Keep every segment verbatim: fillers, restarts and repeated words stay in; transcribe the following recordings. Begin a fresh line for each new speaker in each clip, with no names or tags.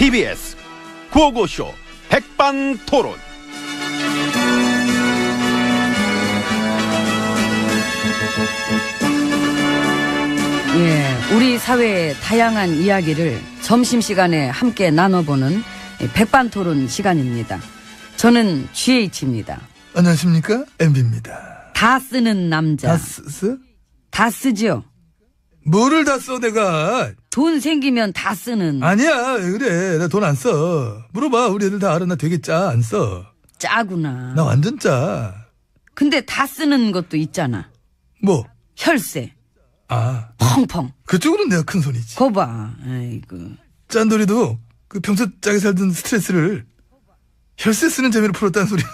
티비에스 구호고쇼 백반토론.
예, 우리 사회의 다양한 이야기를 점심시간에 함께 나눠보는 백반토론 시간입니다. 저는 지에이치입니다.
안녕하십니까, 엠비입니다.
다 쓰는 남자.
다 쓰?
다 쓰죠.
뭐를 다 써, 내가?
돈 생기면 다 쓰는.
아니야, 왜 그래. 나 돈 안 써. 물어봐, 우리 애들 다 알아. 나 되게 짜, 안 써.
짜구나.
나 완전 짜.
근데 다 쓰는 것도 있잖아.
뭐?
혈세.
아.
펑펑.
그쪽으로는 내가 큰 손이지.
거봐. 아이고.
짠돌이도 그 평소 짜게 살던 스트레스를 혈세 쓰는 재미로 풀었다는 소리.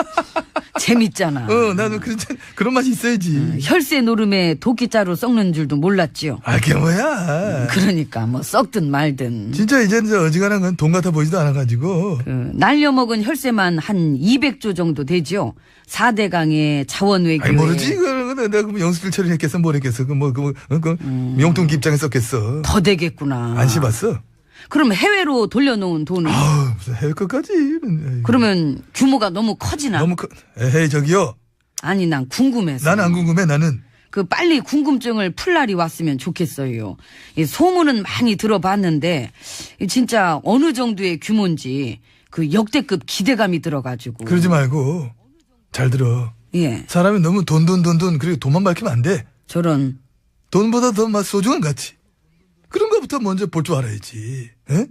재밌잖아.
어, 나는 그런, 그런 맛이 있어야지.
음, 혈세 노름에 도끼자루 썩는 줄도 몰랐지요.
아, 그게 뭐야.
그러니까 뭐 썩든 말든.
진짜 이제는 저 어지간한 건 돈 같아 보이지도 않아가지고.
그 날려먹은 혈세만 한 이백조 정도 되죠. 사대강의 자원외교에.
아니, 모르지. 그거는 내가 그 영수증 처리했겠어, 뭘 했겠어. 그 뭐, 그, 뭐, 그,
음.
용돈기 입장에 썼겠어.
더 되겠구나.
안 씹었어?
그럼 해외로 돌려놓은 돈은?
아우, 무슨 해외 것까지.
그러면 규모가 너무 커지나?
너무 커. 에헤이, 저기요.
아니, 난 궁금해서.
나는 안 궁금해, 나는.
그 빨리 궁금증을 풀 날이 왔으면 좋겠어요. 이 소문은 많이 들어봤는데 진짜 어느 정도의 규모인지 그 역대급 기대감이 들어가지고.
그러지 말고. 잘 들어.
예.
사람이 너무 돈, 돈, 돈, 돈, 그리고 돈만 밝히면 안 돼.
저런.
돈보다 더 막 소중한 가치. 그런 거부터 먼저 볼 줄 알아야지. 에?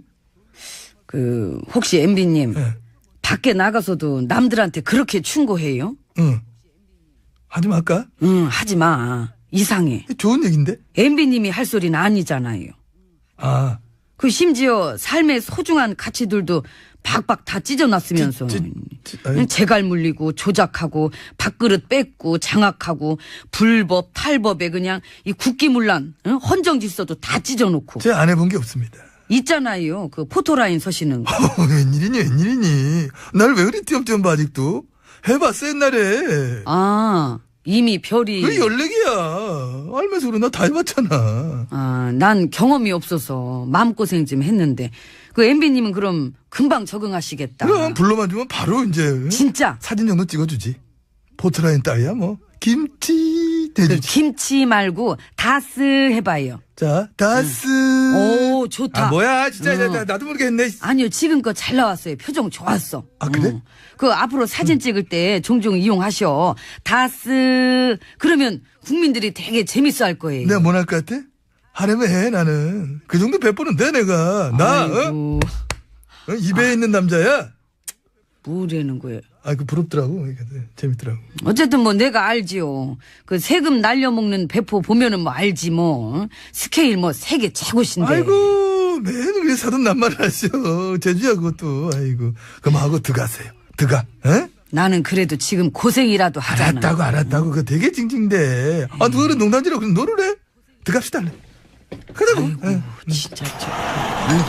그 혹시 엠비님
예.
밖에 나가서도 남들한테 그렇게 충고해요?
응. 하지 말까?
응, 하지 마. 이상해.
좋은 얘긴데?
엠비님이 할 소리는 아니잖아요.
아.
그 심지어 삶의 소중한 가치들도 박박 다 찢어놨으면서
찌, 찌, 아이.
재갈 물리고 조작하고 밥그릇 뺏고 장악하고 불법 탈법에 그냥 이 국기문란 응? 헌정질서도 다 찢어놓고
제 안 해본 게 없습니다.
있잖아요. 그 포토라인 서시는 거.
어, 웬일이니, 웬일이니. 날 왜 그리 띄엄띄엄 봐, 아직도? 해봤어, 옛날에.
아, 이미 별이.
그 연leg이야. 알면서 그래, 나 다 해봤잖아.
아, 난 경험이 없어서 마음고생 좀 했는데 그 엠비님은 그럼 금방 적응하시겠다.
그럼 불러만 주면 바로 이제.
진짜?
사진 정도 찍어주지. 포트라인 따위야, 뭐. 김치
그
대주지.
김치 말고 다스 해봐요.
자, 다스.
오, 좋다.
아, 뭐야, 진짜.
어.
나, 나도 모르게 했네.
아니요, 지금껏 잘 나왔어요. 표정 좋았어.
아, 그래?
어. 그 앞으로 사진 찍을 때 종종 이용하셔. 다스. 그러면 국민들이 되게 재밌어 할 거예요.
내가 뭐 할 것 같아? 하려면 해, 나는. 그 정도 배포는 돼, 내가. 나, 어?
아이고,
어? 입에 있는 남자야?
뭐라는 거예요.
아, 그 부럽더라고. 재밌더라고.
어쨌든 뭐 내가 알지요. 그 세금 날려먹는 배포 보면은 뭐 알지 뭐. 스케일 뭐 세계 최고신데.
아이고, 매일 왜 사돈 낱말을 하셔. 제주야, 그것도. 아이고. 그만하고 들어가세요. 들어가. 에?
나는 그래도 지금 고생이라도 하잖아.
알았다고, 알았다고. 그거 되게 징징대. 아, 너는 농담지라고 그럼 너를 해? 들어갑시다. 얼른. 그러고.
아이고, 진짜 저. 아이고,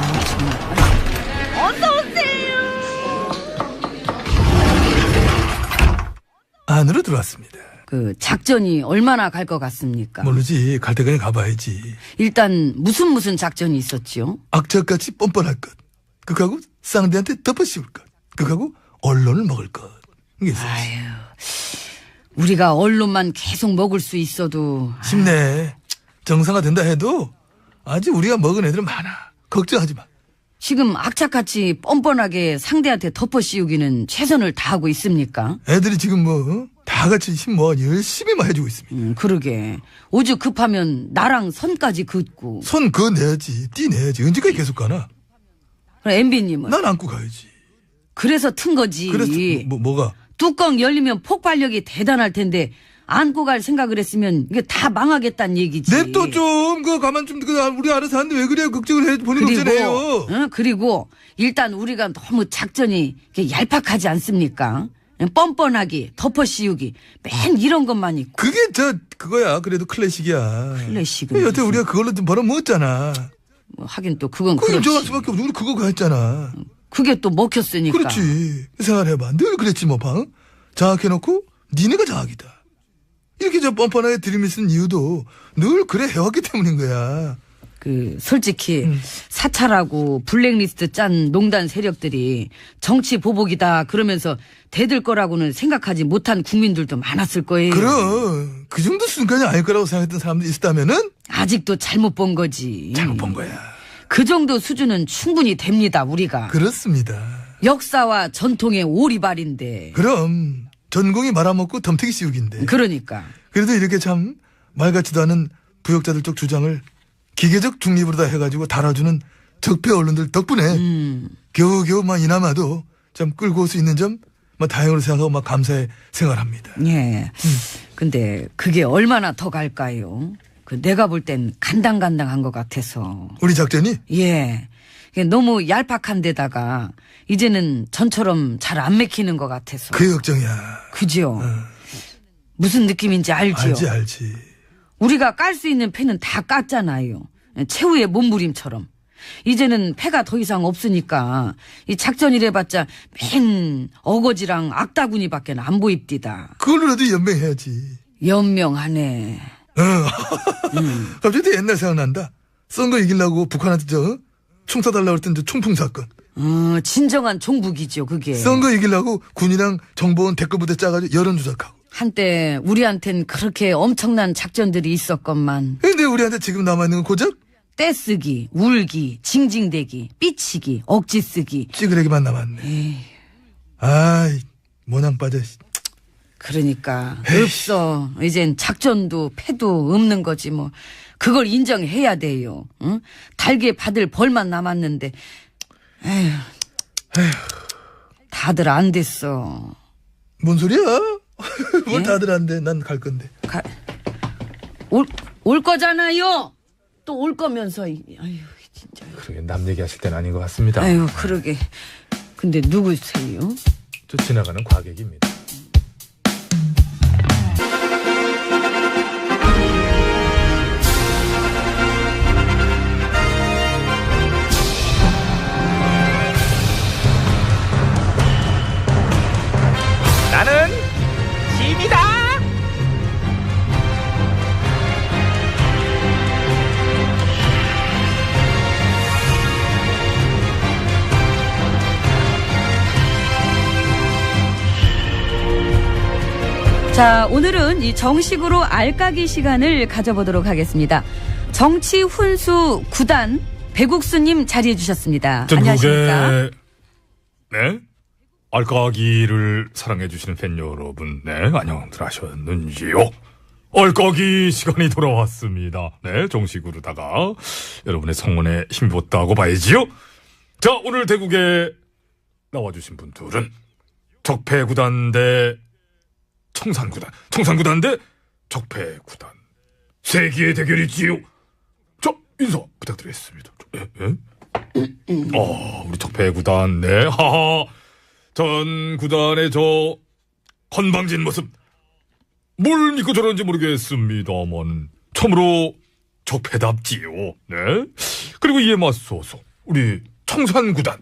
정말.
안으로 들어왔습니다.
그 작전이 얼마나 갈 것 같습니까?
모르지. 갈 때 그냥 가봐야지.
일단 무슨 무슨 작전이 있었지요?
악착같이 뻔뻔할 것. 그거하고 쌍대한테 덮어 씌울 것. 그거하고 언론을 먹을 것. 이게 있어.
아유, 우리가 언론만 계속 먹을 수 있어도.
힘내. 정상화 된다 해도 아직 우리가 먹은 애들은 많아. 걱정하지 마.
지금 악착같이 뻔뻔하게 상대한테 덮어 씌우기는 최선을 다하고 있습니까?
애들이 지금 뭐, 어? 다 같이 힘 모아 열심히 막 해주고 있습니다.
음, 그러게. 오죽 급하면 나랑 선까지 긋고.
손 그어내야지. 띠내야지. 언제까지 계속 가나?
그럼 엠비님은?
난 안고 가야지.
그래서 튼 거지.
그래서 뭐, 뭐가?
뚜껑 열리면 폭발력이 대단할 텐데 안고 갈 생각을 했으면 이게 다 망하겠다는 얘기지.
냅둬 좀. 그거 가만 좀, 그 우리 알아서 하는데 왜 그래요? 걱정을 해. 본인
그리고,
걱정해요.
응? 그리고 일단 우리가 너무 작전이 이렇게 얄팍하지 않습니까? 뻔뻔하기, 덮어 씌우기, 맨 이런 것만 있고.
그게 저, 그거야. 그래도 클래식이야.
클래식은
여태
무슨-
우리가 그걸로 좀 벌어먹었잖아.
뭐 하긴 또 그건
그거
그렇지.
인정할 수밖에 없어. 우리 그거 했잖아.
그게 또 먹혔으니까.
그렇지. 생각해봐. 늘 그랬지 뭐, 방. 장악해놓고 니네가 장악이다. 이렇게 저 뻔뻔하게 들이밀 쓴 이유도 늘 그래 해왔기 때문인 거야.
그 솔직히
음.
사찰하고 블랙리스트 짠 농단 세력들이 정치 보복이다 그러면서 대들 거라고는 생각하지 못한 국민들도 많았을 거예요.
그럼 그 정도 순간이 아닐 거라고 생각했던 사람들이 있었다면은
아직도 잘못 본 거지.
잘못 본 거야.
그 정도 수준은 충분히 됩니다, 우리가.
그렇습니다.
역사와 전통의 오리발인데.
그럼 전공이 말아먹고 덤태기 씌우기인데.
그러니까.
그래도 이렇게 참 말 같지도 않은 부역자들 쪽 주장을 기계적 중립으로 다 해가지고 달아주는 적폐 언론들 덕분에
음.
겨우겨우 막 이나마도 참 끌고 올 수 있는 점 막 다행으로 생각하고 막 감사해 생활합니다.
예. 근데 그게 얼마나 더 갈까요? 그 내가 볼 땐 간당간당한 것 같아서.
우리 작전이
예. 이게 너무 얄팍한 데다가 이제는 전처럼 잘 안 맥히는 것 같아서.
그 걱정이야.
그죠? 무슨 느낌인지 알지요?
알지 알지.
우리가 깔 수 있는 패는 다 깠잖아요. 최후의 몸부림처럼. 이제는 패가 더 이상 없으니까 이 작전이래봤자 맨 어거지랑 악다구니밖에 안 보입디다.
그걸로라도 연맹해야지.
연명하네.
어. 갑자기 또 옛날 생각난다. 선거 이기려고 북한한테 저 총 쏴달라고 했던 저 총풍 사건.
어, 진정한 종북이죠, 그게.
선거 이기려고 군이랑 정보원 댓글부대 짜가지고 여론 조작하고.
한때 우리한텐 그렇게 엄청난 작전들이 있었건만
근데 우리한테 지금 남아있는 건 고작
떼쓰기, 울기, 징징대기, 삐치기, 억지쓰기.
찌그레기만 남았네.
에이,
아이, 모낭 빠져.
그러니까 없어. 이젠 작전도 패도 없는 거지 뭐. 그걸 인정해야 돼요. 응? 달게 받을 벌만 남았는데. 에휴, 다들 안 됐어.
뭔 소리야? 뭘
예?
다들 안 돼. 난 갈 건데.
가, 올, 올 거잖아요. 또 올 거면서. 아유, 진짜.
그러게 남 얘기하실 때는 아닌 것 같습니다.
아유, 그러게. 근데 누구세요?
저 지나가는 과객입니다.
나는 짐이다.
자, 오늘은 이 정식으로 알까기 시간을 가져보도록 하겠습니다. 정치 훈수 구단 배국수님 자리해 주셨습니다. 안녕하십니까?
전국의 네 알까기를 사랑해 주시는 팬 여러분, 네 안녕들 하셨는지요? 알까기 시간이 돌아왔습니다. 네 정식으로다가 여러분의 성원에 힘입었다고 봐야지요. 자, 오늘 대국에 나와주신 분들은 적폐구단 대 청산구단, 청산구단 대 적폐구단 세기의 대결이지요. 자, 인사 부탁드리겠습니다. 예, 예? 어, 우리 적폐구단, 네, 하하. 전 구단의 저 건방진 모습, 뭘 믿고 저런지 모르겠습니다만 처음으로 적폐답지요. 네. 그리고 이에 맞서서 우리 청산구단.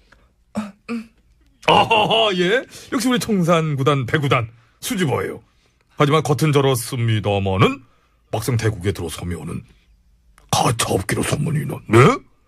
아하하, 예. 역시 우리 청산구단, 배구단 수줍어요. 하지만 겉은 저렇습니다마는 막상 대국에 들어서면은 가차없기로 소문이 난, 네?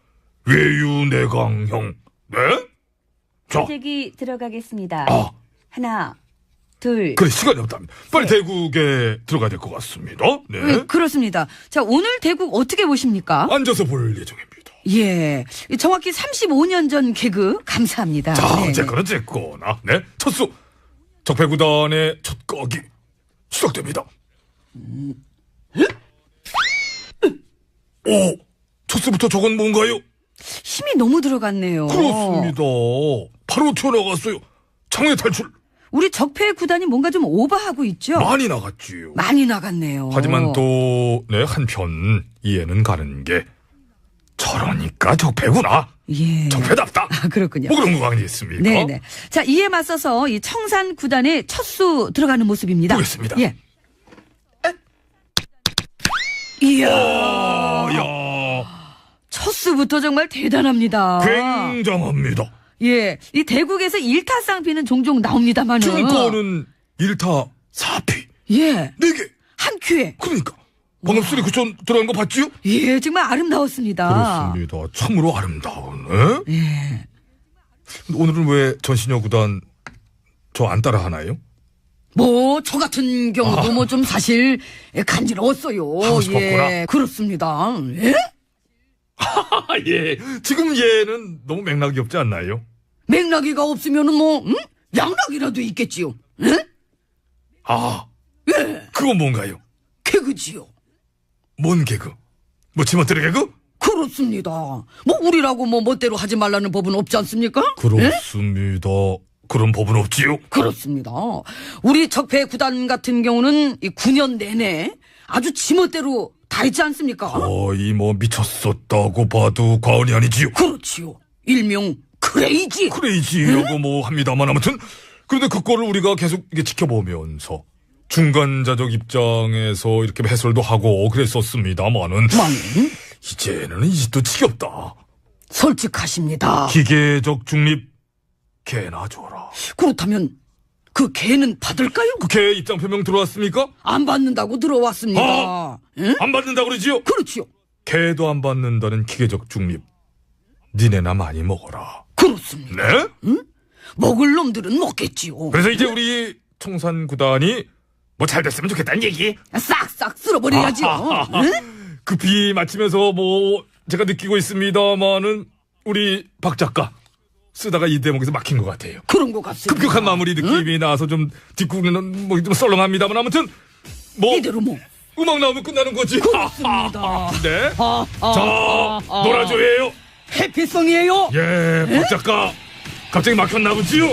외유내강형, 네? 자,
대기 들어가겠습니다.
아,
하나, 둘.
그래, 시간이 없답니다. 빨리
셋.
대국에 들어가야 될 것 같습니다. 네.
네, 그렇습니다. 자, 오늘 대국 어떻게 보십니까?
앉아서 볼 예정입니다.
예. 정확히 삼십오 년 전 개그 감사합니다.
자,
네,
어쨌거나 어쨌거나, 네. 첫수 적폐구단의 첫 거기 시작됩니다. 오, 첫수부터 저건 뭔가요?
힘이 너무 들어갔네요.
그렇습니다. 바로 튀어나갔어요. 장외 탈출.
우리 적폐 구단이 뭔가 좀 오버하고 있죠?
많이 나갔지요.
많이 나갔네요.
하지만 또, 네, 한편 이해는 가는 게 저러니까 적폐구나.
예.
적폐답다.
아, 그렇군요.
뭐 그런 거 아니겠습니까?
네네. 자, 이에 맞서서 이 청산 구단의 첫수 들어가는 모습입니다.
보겠습니다.
예. 이야.
아, 야,
첫수부터 정말 대단합니다.
굉장합니다.
예. 이 대국에서 일타쌍피는 종종 나옵니다만은.
지금 거는 일타 사피
예.
네 개.
한 큐에.
그러니까 방금 소리 그쪽 들어간 거 봤지요?
예, 정말 아름다웠습니다.
그렇습니다. 참으로 아름다운. 예?
예.
오늘은 왜 전신여 구단 저 안 따라 하나요?
뭐, 저 같은 경우도
아.
뭐 좀 사실 간지러웠어요.
하고 싶었구나.
예, 그렇습니다. 예?
아, 예. 지금 얘는 너무 맥락이 없지 않나요?
맥락이가 없으면은 뭐, 응? 양락이라도 있겠지요. 예?
아, 그건 뭔가요?
개그지요.
뭔 개그? 뭐 지멋대로 개그?
그렇습니다. 뭐, 우리라고 뭐 멋대로 하지 말라는 법은 없지 않습니까? 예?
그렇습니다. 그런 법은 없지요?
그렇습니다. 우리 적폐 구단 같은 경우는 이 구 년 내내 아주 지멋대로 다 했지 않습니까?
거의 뭐 미쳤었다고 봐도 과언이 아니지요.
그렇지요. 일명 크레이지.
크레이지라고 뭐 합니다만 아무튼 그런데 그거를 우리가 계속 이게 지켜보면서 중간자적 입장에서 이렇게 해설도 하고 그랬었습니다만은
만
이제는 이 짓도 지겹다.
솔직하십니다.
기계적 중립 개나 줘라.
그렇다면 그 개는 받을까요?
그 개 입장 표명 들어왔습니까?
안 받는다고 들어왔습니다.
어?
응?
안 받는다 그러지요?
그렇지요.
개도 안 받는다는 기계적 중립. 니네나 많이 먹어라.
그렇습니다.
네?
먹을 놈들은 먹겠지요.
그래서 이제 우리 청산 구단이 뭐 잘 됐으면 좋겠다는 얘기.
싹싹 쓸어버려야지요. 응?
급히 마치면서 뭐 제가 느끼고 있습니다만은 우리 박 작가 쓰다가 이 대목에서 막힌 것 같아요.
그런 것 같습니다.
급격한 마무리 느낌이 나서 좀 뒷구는 뭐 좀 썰렁합니다만 아무튼 뭐
이대로 뭐.
음악 나오면 끝나는 거지.
그렇습니다.
네.
아, 아,
자,
아, 아.
놀아줘예요.
해피송이에요.
예, 박 작가 갑자기 막혔나 보지요.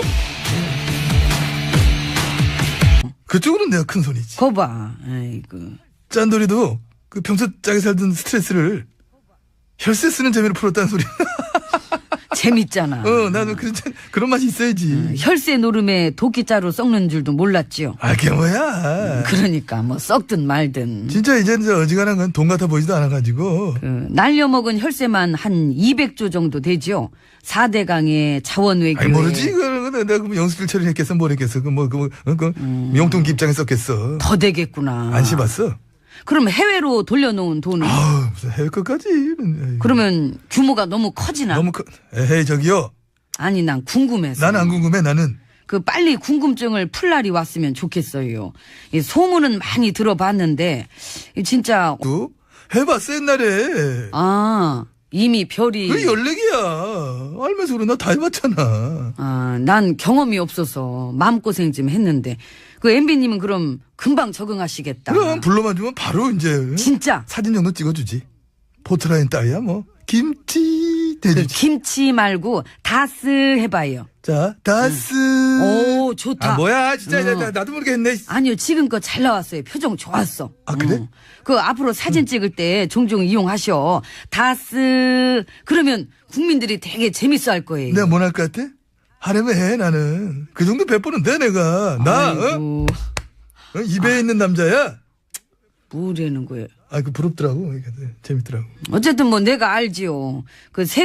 그쪽으로는 내가 큰 손이지.
거봐. 아이고.
짠돌이도 그 평소 짜게 살던 스트레스를 혈세 쓰는 재미로 풀었다는 소리.
재밌잖아.
어, 나도 그런, 그런 맛이 있어야지.
혈세 노름에 도끼자루 썩는 줄도 몰랐지요.
아, 그게 뭐야.
그러니까 뭐 썩든 말든.
진짜 이제는 저 어지간한 건 돈 같아 보이지도 않아가지고.
그 날려먹은 혈세만 한 이백조 정도 되죠. 사대강의 자원외교에.
아니, 모르지. 그거는 내가 그럼 영수증 처리했겠어, 뭘 했겠어. 그 뭐, 그, 뭐, 그,
음.
용돈기 입장에 썼겠어.
더 되겠구나.
안 씹었어.
그럼 해외로 돌려놓은 돈은?
아우, 무슨 해외 것까지.
그러면 규모가 너무 커지나?
너무 커. 에헤이, 저기요.
아니 난 궁금해서.
나는 안 궁금해, 나는.
그 빨리 궁금증을 풀 날이 왔으면 좋겠어요. 이 소문은 많이 들어봤는데 이 진짜
또? 해봤어, 옛날에.
아 이미 별이
그게 열네개야. 알면서 그래, 나 다 해봤잖아.
아, 난 경험이 없어서 마음고생 좀 했는데 그 엠비님은 그럼 금방 적응하시겠다.
그럼 불러만 주면 바로 이제.
진짜
사진 정도 찍어주지. 포트라인 따위야, 뭐. 김치
그
대주지.
김치 말고 다스 해봐요.
자, 다스.
오 좋다.
아, 뭐야, 진짜.
어.
나, 나도 모르게 했네.
아니요 지금껏 잘 나왔어요. 표정 좋았어.
아, 그래?
어. 그 앞으로 사진 찍을 때 종종 이용하셔. 다스 그러면 국민들이 되게 재밌어할 거예요.
내가 뭐 할 것 같아? 하려면 해, 나는. 그 정도 베푸는 돼, 내가. 나, 어?
아이고,
어? 입에 있는 남자야?
뭐라는 거예요.
아, 그 부럽더라고. 이게 재밌더라고.
어쨌든 뭐 내가 알지요. 그 세.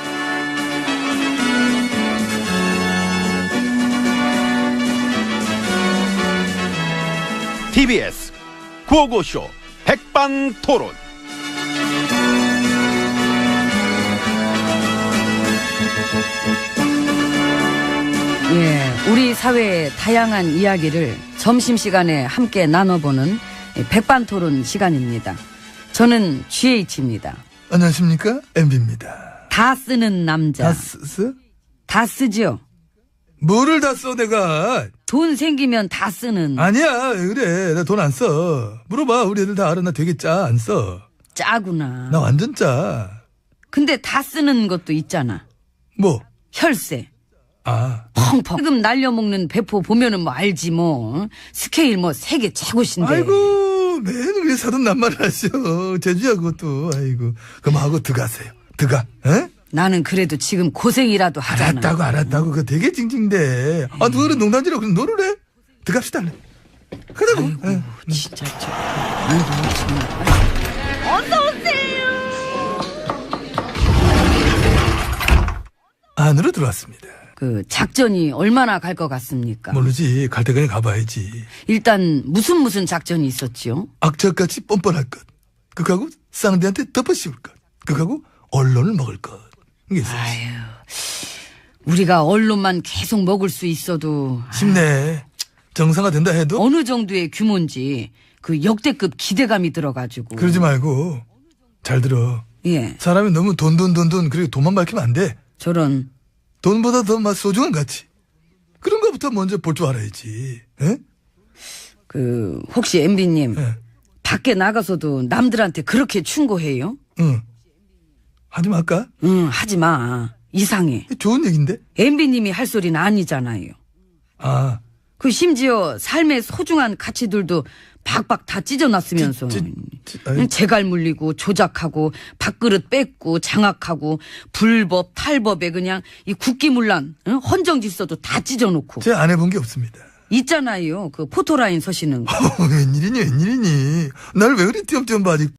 티비에스 구호고쇼 백반토론.
예, 우리 사회의 다양한 이야기를 점심시간에 함께 나눠보는 백반토론 시간입니다. 저는 지에이치입니다.
안녕하십니까? 엠비입니다.
다 쓰는 남자.
다 쓰?
다 쓰죠.
뭐를 다 써, 내가?
돈 생기면 다 쓰는.
아니야, 왜 그래. 나 돈 안 써. 물어봐. 우리 애들 다 알아. 나 되게 짜. 안 써.
짜구나.
나 완전 짜.
근데 다 쓰는 것도 있잖아.
뭐?
혈세.
아.
펑펑. 세금 날려먹는 배포 보면은 뭐 알지 뭐. 스케일 뭐 세계 최고신데.
아이고, 매일 왜 사돈 낱말을 하셔. 제주야, 그것도. 아이고. 그럼 하고 들어가세요. 들어가. 에?
나는 그래도 지금 고생이라도 하잖아.
알았다고, 알았다고. 그거 되게 징징대. 아, 너는 농담지라고 그럼 노를 해? 들어갑시다. 얼른. 가자고. 에.
진짜 저. 아이고 정말.
안으로 들어왔습니다.
그 작전이 얼마나 갈 것 같습니까?
모르지. 갈 때 그냥 가봐야지.
일단 무슨 무슨 작전이 있었지요?
악착같이 뻔뻔할 것. 그하고 쌍대한테 덮어 씌울 것. 그하고 언론을 먹을 것. 이게 있어.
아유, 우리가 언론만 계속 먹을 수 있어도
쉽네. 정상화된다 해도
어느 정도의 규모인지 그 역대급 기대감이 들어가지고.
그러지 말고 잘 들어.
예,
사람이 너무 돈 돈 돈 돈 그리고 돈만 밝히면 안 돼.
저런.
돈보다 더 막 소중한 가치. 그런 거부터 먼저 볼 줄 알아야지. 에?
그 혹시 엠비님
예.
밖에 나가서도 남들한테 그렇게 충고해요?
응. 하지 말까?
응, 하지 마. 이상해.
좋은 얘긴데.
엠비님이 할 소리는 아니잖아요.
아,
그 심지어 삶의 소중한 가치들도 박박 다 찢어놨으면서
찌- 찌- 아이.
재갈 물리고 조작하고 밥그릇 뺏고 장악하고 불법 탈법에 그냥 이 국기문란 응? 헌정질서도 다 찢어놓고
제가 안 해본 게 없습니다.
있잖아요. 그 포토라인 서시는 거.
어, 웬일이니 웬일이니. 날 왜 그리 띄엄띄엄 봐 아직.